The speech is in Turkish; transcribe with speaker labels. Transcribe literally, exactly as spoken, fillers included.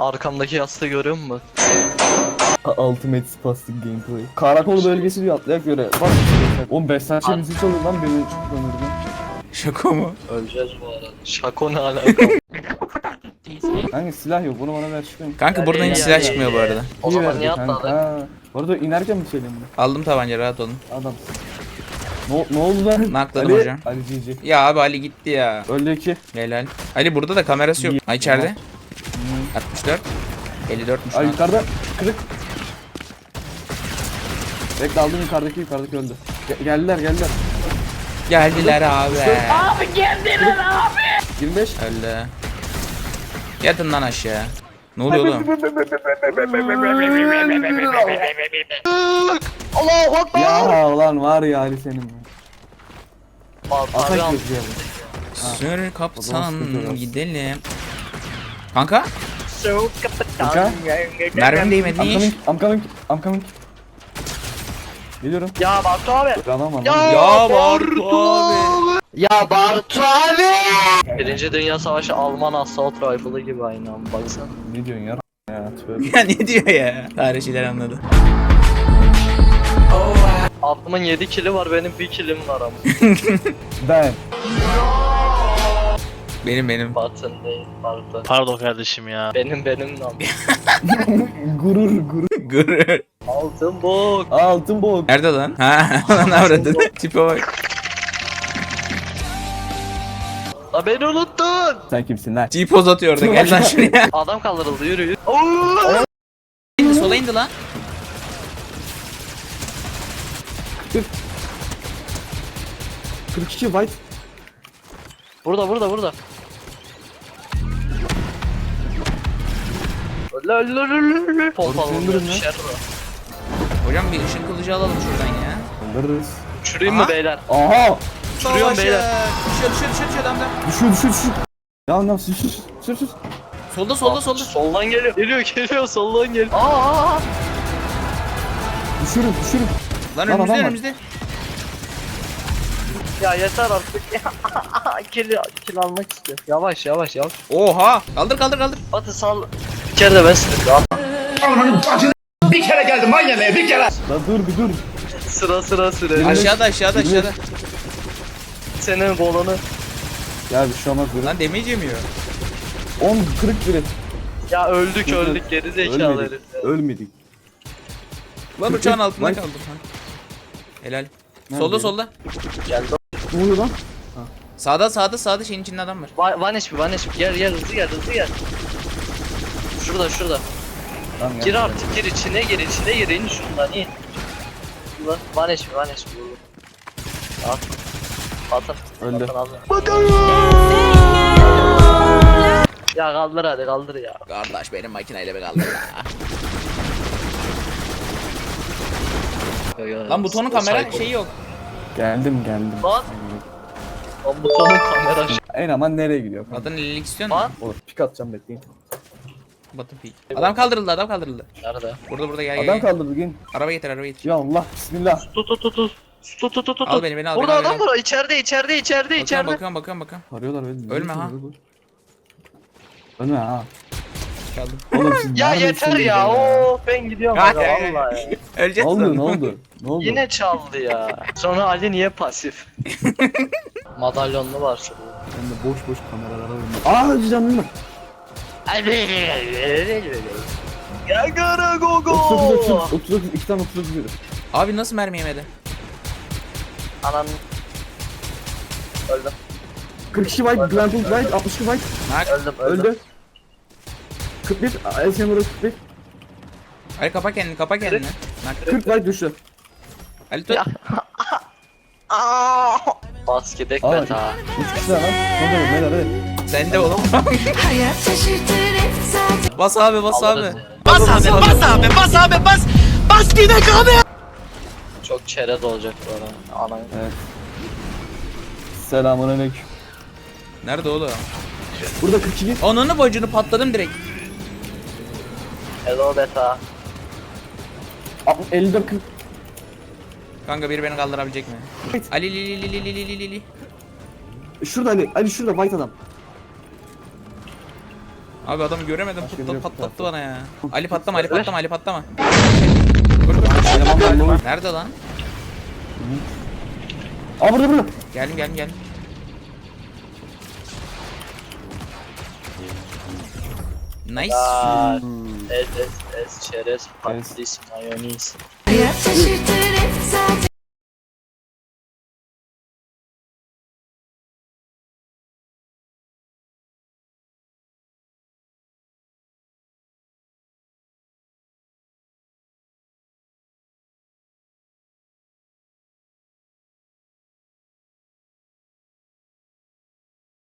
Speaker 1: Arkamdaki yastığı görüyor musun?
Speaker 2: Ultimate Spastic Gameplay. Karakol bölgesi diyor atlayak göre. Bak. Oğlum beş saat müzik çalıyor lan beni ömürde.
Speaker 3: Şaka mı?
Speaker 1: Öleceğiz bu arada. Şako ne alaka?
Speaker 2: Hangi silah yok bunu bana ver çıkayım.
Speaker 3: Kanka buradan hiç
Speaker 1: Ya,
Speaker 3: silah
Speaker 1: ya,
Speaker 3: çıkmıyor bu
Speaker 1: ya.
Speaker 3: arada.
Speaker 1: O
Speaker 2: İyi
Speaker 1: zaman
Speaker 2: verdi
Speaker 1: niye
Speaker 2: kanka.
Speaker 1: atladın?
Speaker 2: Ha. Bu arada inerken mi söyleyeyim bunu?
Speaker 3: Aldım tabanca, rahat olun.
Speaker 2: Adam. Ne, ne oldu lan?
Speaker 3: Nakladım
Speaker 2: Ali,
Speaker 3: hocam.
Speaker 2: Ali G G.
Speaker 3: Ya abi Ali gitti ya.
Speaker 2: Öldü iki.
Speaker 3: Helal. Ali burada da kamerası yok.
Speaker 2: İyi.
Speaker 3: Ha içeride. altmış dört. elli dörtmüş
Speaker 2: Ay
Speaker 3: lan.
Speaker 2: yukarıda kırık. Bekle aldım yukarıdaki yukarıdaki öldü. Ge- geldiler geldiler.
Speaker 3: Geldiler abi.
Speaker 2: yirmi beş.
Speaker 3: Öldü. Yatın lan aşağı. Ne oluyor oğlum?
Speaker 1: Allahu Akbar.
Speaker 2: Ya ulan var ya Ali senin.
Speaker 1: Abi
Speaker 2: Atak
Speaker 1: al.
Speaker 2: yok yani.
Speaker 3: Sür kaptan
Speaker 2: sıkıntı yok.
Speaker 3: gidelim. Kanka
Speaker 1: So
Speaker 2: Kanka.
Speaker 3: mermim değmedi
Speaker 2: I'm
Speaker 3: ne iş?
Speaker 2: coming, I'm coming, I'm coming. Geliyorum.
Speaker 1: Ya Bartu abi.
Speaker 2: Adam var.
Speaker 1: Ya,
Speaker 2: lan.
Speaker 3: Ya Bartu abi.
Speaker 1: Ya Bartu abi. Birinci Dünya Savaşı Alman Assault Rifle'ı gibi aynı an baksana.
Speaker 2: Ne diyorsun ya? Ya tövbe.
Speaker 3: Ya ne diyor ya? Tarihçiler anladı.
Speaker 1: Ablamın yedi kili var benim bir kilim var ama.
Speaker 2: Ben.
Speaker 3: Benim benim.
Speaker 1: Batın değil Bartu.
Speaker 4: Pardon kardeşim ya.
Speaker 1: Benim benim lan.
Speaker 2: Gurur gurur.
Speaker 3: Gurur.
Speaker 1: Altın bok.
Speaker 2: Altın bok.
Speaker 3: Nerede lan? Ha, lan avradın. Tipe bak.
Speaker 1: La beni unuttun.
Speaker 2: Sen kimsin lan?
Speaker 3: G-poz atıyor orada. Gel lan şuraya.
Speaker 1: Adam kaldırıldı yürü yürü.
Speaker 3: İndi sola indi lan.
Speaker 2: kırk iki white.
Speaker 1: Burada burada burada. Öyle öyle öyle öyle. Pompalı
Speaker 2: Senin durum ne?
Speaker 1: düşer bu.
Speaker 3: Hocam bir ışın kılıcı alalım şuradan ya.
Speaker 2: Alırız.
Speaker 1: Uçurayım
Speaker 3: Aha.
Speaker 1: mı beyler?
Speaker 2: Aha!
Speaker 1: Uçuruyorum beyler.
Speaker 3: Düşüyor düşüyor düşüyor düşüyor adamda.
Speaker 2: Düşüyor düşüyor düşüyor. Ya lan sür sür sür sür.
Speaker 3: Solda solda solda.
Speaker 1: Soldan geliyor. Geliyor geliyor soldan geliyor. Aa!
Speaker 2: Düşürüm düşürüm.
Speaker 3: Lan
Speaker 2: Lan
Speaker 3: önümüzde
Speaker 2: adam var.
Speaker 3: önümüzde.
Speaker 1: Ya yeter artık ya. kill, kill almak istiyorum. Yavaş yavaş yavaş.
Speaker 3: Oha. Kaldır kaldır kaldır.
Speaker 1: Batı sal. İçeride ben sıkıyorum.
Speaker 5: Bir kere geldim manyemeye bir kere.
Speaker 2: La dur bir dur.
Speaker 1: Sıra sıra sıra.
Speaker 3: Aşağıda aşağıda aşağıda.
Speaker 1: Senin bolonu.
Speaker 2: Ya bir şey olmaz dur.
Speaker 3: Lan damage yemiyor.
Speaker 2: on kırık biri.
Speaker 1: Ya öldük öldük geri zekalı
Speaker 2: Ölmedik.
Speaker 1: herif. ya.
Speaker 2: Ölmedik.
Speaker 3: Lan uçağın altında
Speaker 2: Lan-
Speaker 3: kaldım. Ha. Helal.
Speaker 2: Nerede
Speaker 3: Solda
Speaker 2: ya?
Speaker 3: solda.
Speaker 1: Geldi.
Speaker 2: Ne oluyor lan?
Speaker 3: Sağda sağda sağda şeyin içinde adam var.
Speaker 1: Va- Van H P Van H P gel gel hızlı gel hızlı gel. Şurada şurada.
Speaker 2: Tamam
Speaker 1: Gir
Speaker 2: gel.
Speaker 1: artık gir içine gir içine gir in şundan in. Şurada Van H P Van H P vurdu. At. Atın.
Speaker 2: Öldü.
Speaker 1: Atın abi. Ya kaldır hadi kaldır ya.
Speaker 3: Kardeş benim makineyle bir kaldı ya. Lan butonun kamera şeyi yok.
Speaker 2: Geldim geldim.
Speaker 1: Lan. Lan butonun kamera şey.
Speaker 2: En aman nereye gidiyor?
Speaker 3: Adını ellilik istiyor
Speaker 1: Lan.
Speaker 3: musun?
Speaker 2: Olur pik atacağım bekleyin.
Speaker 3: Batın peak. Adam kaldırıldı adam kaldırıldı.
Speaker 1: Nerede?
Speaker 3: Burada burada gel gel.
Speaker 2: Adam
Speaker 3: gel.
Speaker 2: kaldırdı gelin.
Speaker 3: Araba getir araba getir.
Speaker 2: Ya Allah bismillah.
Speaker 1: Tut tut tut tut. Tut tut tut tut.
Speaker 3: Al beni, beni al,
Speaker 1: Burada
Speaker 3: beni al,
Speaker 1: adam
Speaker 3: beni
Speaker 1: var içeride içeride içeride
Speaker 3: Bakıyorum
Speaker 1: içeride.
Speaker 3: bakıyorum bakıyorum bakıyorum.
Speaker 2: Arıyorlar beni.
Speaker 3: Ölme ha.
Speaker 2: Ölme ha.
Speaker 3: Çaldım.
Speaker 2: Oğlum siz
Speaker 1: Ya
Speaker 2: neredesiniz
Speaker 1: yeter ya. Oo ben gidiyorum
Speaker 3: Ya,
Speaker 1: aga
Speaker 3: ya, ya.
Speaker 1: vallahi ya.
Speaker 2: Ne
Speaker 3: Öleceğiz
Speaker 2: oldu
Speaker 3: sonra.
Speaker 2: ne oldu? Ne oldu?
Speaker 1: Yine çaldı ya. Sonra Ali niye pasif? Madalyonlu var şurada.
Speaker 2: Ben de boş boş kameralara oynuyorum. Aa canım var.
Speaker 1: Ya gara go
Speaker 2: otuz dokuz
Speaker 1: go.
Speaker 2: otuz otuz iki tane otuz dokuz yedi.
Speaker 3: Abi nasıl mermi yemedi?
Speaker 1: Anan. Öldüm.
Speaker 2: kırk iki white, Glenpool white, altmış iki white.
Speaker 3: Nak.
Speaker 1: Öldüm öldüm.
Speaker 2: Öldü. kırk bir, Elsen vurdu kırk bir.
Speaker 3: Ali kapa kendini kapa kendini. Nak.
Speaker 2: kırk white düştü.
Speaker 3: Ali tut.
Speaker 1: Ya. Aa! Bas gidek
Speaker 2: Aa,
Speaker 1: bet ha.
Speaker 2: üç kişi daha lan. Ne olur neler hadi.
Speaker 3: Sen de oğlum.
Speaker 6: Hayat şaşırtır hep zaten.
Speaker 3: Bas abi bas abi.
Speaker 1: Alırız ya.
Speaker 5: Bas abi bas abi bas abi bas. Bas gidek abi.
Speaker 1: Çok çerez olacak bu arada. Anan.
Speaker 2: Evet. Selamünaleyküm.
Speaker 3: Nerede oğlum?
Speaker 2: Burada kırk iki.
Speaker 3: Ananı bacını patladım direkt.
Speaker 1: Hello beta.
Speaker 2: elli dört kırk.
Speaker 3: Kanka biri beni kaldırabilecek mi?
Speaker 2: Evet.
Speaker 3: Ali li li li li li li li li.
Speaker 2: Şurada Ali, Ali şurada white adam.
Speaker 3: Abi adamı göremedim.
Speaker 2: Başka
Speaker 3: Putla
Speaker 2: biri yok
Speaker 3: patlattı
Speaker 2: zaten.
Speaker 3: bana ya. Ali patlama, Ali
Speaker 1: Ver.
Speaker 3: patlama, Ali patlama. Koş, koş, koş.
Speaker 2: Eleman belli olur.
Speaker 3: Nerede lan?
Speaker 2: Aa burada burada.
Speaker 3: Geldim, geldim, geldim. Nice.
Speaker 1: Aa, ez ez ez çerez patates mayonez.
Speaker 6: Hayat şaşırtır